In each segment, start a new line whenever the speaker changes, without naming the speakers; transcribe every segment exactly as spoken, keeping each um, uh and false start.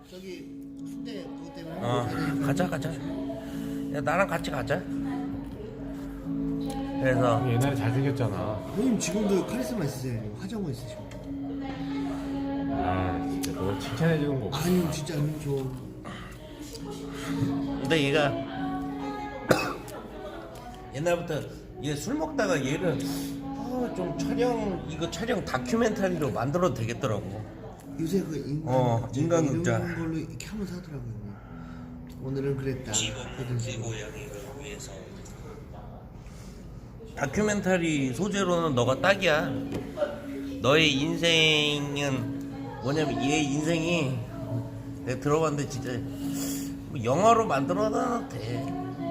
저기 순대 그것 때문에
어 가자 가자. 야 나랑 같이 가자. 그래서
옛날에 잘생겼잖아.
형님 지금도 카리스마 있으세요. 화장고 있으시고.
아 진짜 너 칭찬해주는 거 없어.
아니요 진짜 형님 저
근데 얘가 옛날부터 얘 술 먹다가 얘를 아, 좀 촬영 이거 촬영 다큐멘터리로 만들어도 되겠더라고.
요새 그 인간
어,
이제
인간극장.
이런 걸로 이렇게 하면서 하더라고요. 형님. 오늘은 그랬다. 이런 식으로.
고양이를 위해서 다큐멘터리 소재로는 너가 딱이야. 너의 인생은 뭐냐면 얘 인생이 내가 들어봤는데 진짜 뭐 영화로 만들어놔도 돼.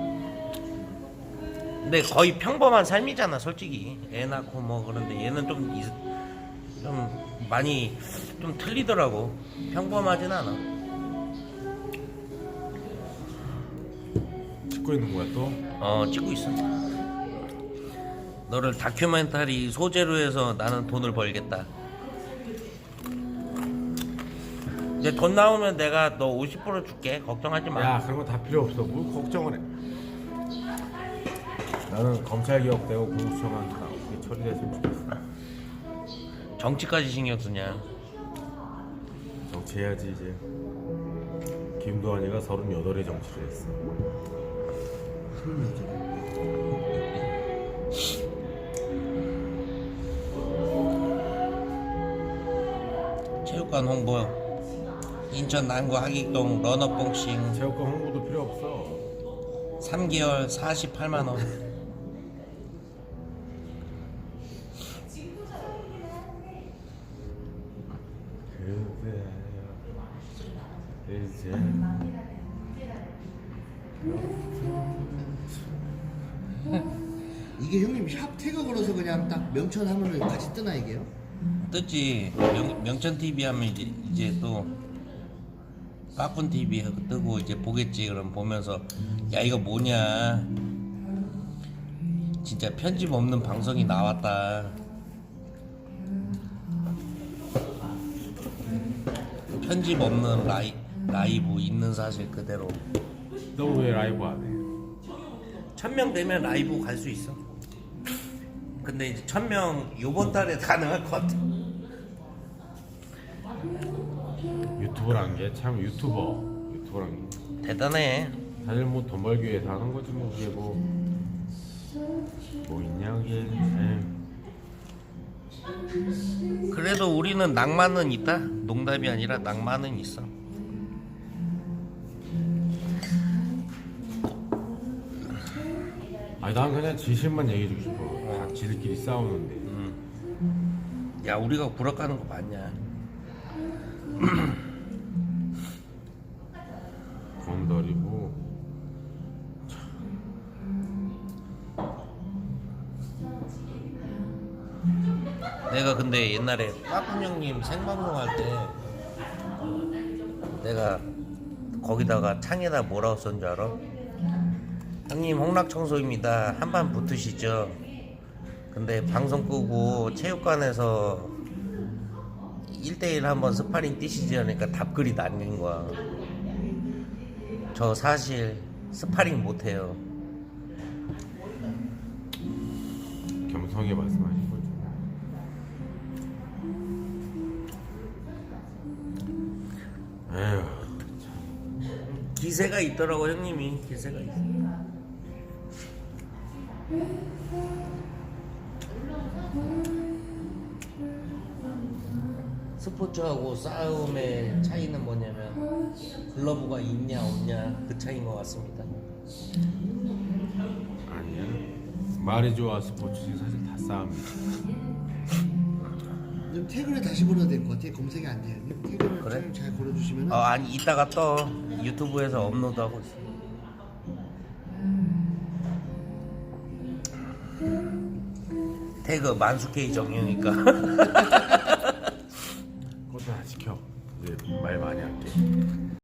근데 거의 평범한 삶이잖아 솔직히. 애 낳고 뭐 그런데 얘는 좀, 이- 좀 많이 좀 틀리더라고. 평범하진 않아.
찍고 있는 거야 또?
어 찍고 있어. 너를 다큐멘터리 소재로 해서 나는 돈을 벌겠다. 이제 돈 나오면 내가 너 오십 퍼센트 줄게. 걱정하지 마.
야 그런 거 다 필요 없어. 뭘 걱정을 해. 나는 검찰 개혁되고 공수처가 어떻게 처리됐으면 좋겠어.
정치까지 신경 쓰냐.
정치해야지 이제. 김도환이가 서른여덟에 정치를 했어.
체육관 홍보. 인천 남구 하객동 러너봉싱
체육관 홍보도 필요 없어.
삼 개월 사십팔만 원.
그대여 이제
이게 형님 샵 태그 걸어서 그냥 딱 명천 하면은 같이 뜨나 이게요?
뜨지. 명, 명천티비 하면 이제, 이제 또 까꾼티비 뜨고 이제 보겠지. 그럼 보면서 야 이거 뭐냐 진짜 편집 없는 방송이 나왔다. 편집 없는 라이, 라이브 있는 사실 그대로.
너 왜 라이브 안 해?
천 명 되면 라이브 갈 수 있어. 근데 이제 천 명 요번 달에 가능할 것 같아.
유튜버란 게 참 유튜버 유튜버란 게
대단해.
사실 뭐 돈 벌기 위해서 하는 거지 뭐 그게 뭐뭐 있냐 그게. 에이.
그래도 우리는 낭만은 있다. 농담이 아니라 낭만은 있어.
아니 난 그냥 진실만 얘기해주고 싶어. 다 지들끼리 싸우는데.
야 우리가 구락하는 거 맞냐?
건더리고
내가 근데 옛날에 빠꾼 형님 생방송 할 때 내가 거기다가 창에다 뭐라고 썼는 줄 알아? 형님 홍락청소입니다. 한판 붙으시죠? 근데 방송 끄고 체육관에서 일 대일 한번 스파링 뛰시지 하니까 답글이 남긴 거야. 저 사실 스파링 못해요.
겸손하게 말씀하신 거죠. 에휴
기세가 있더라고 형님이. 기세가 있어. 스포츠하고 싸움의 차이는 뭐냐면 글러브가 있냐 없냐 그 차이인 것 같습니다.
아니야. 말이 좋아 스포츠지 사실 다 싸움이지.
좀 태그를 다시 걸어야 될 것 같아. 검색이 안 돼요. 형님. 태그를
그래?
좀 잘 걸어주시면
어 아니 이따가 또 유튜브에서 업로드하고 있어. 태그 만수케이 정형이니까.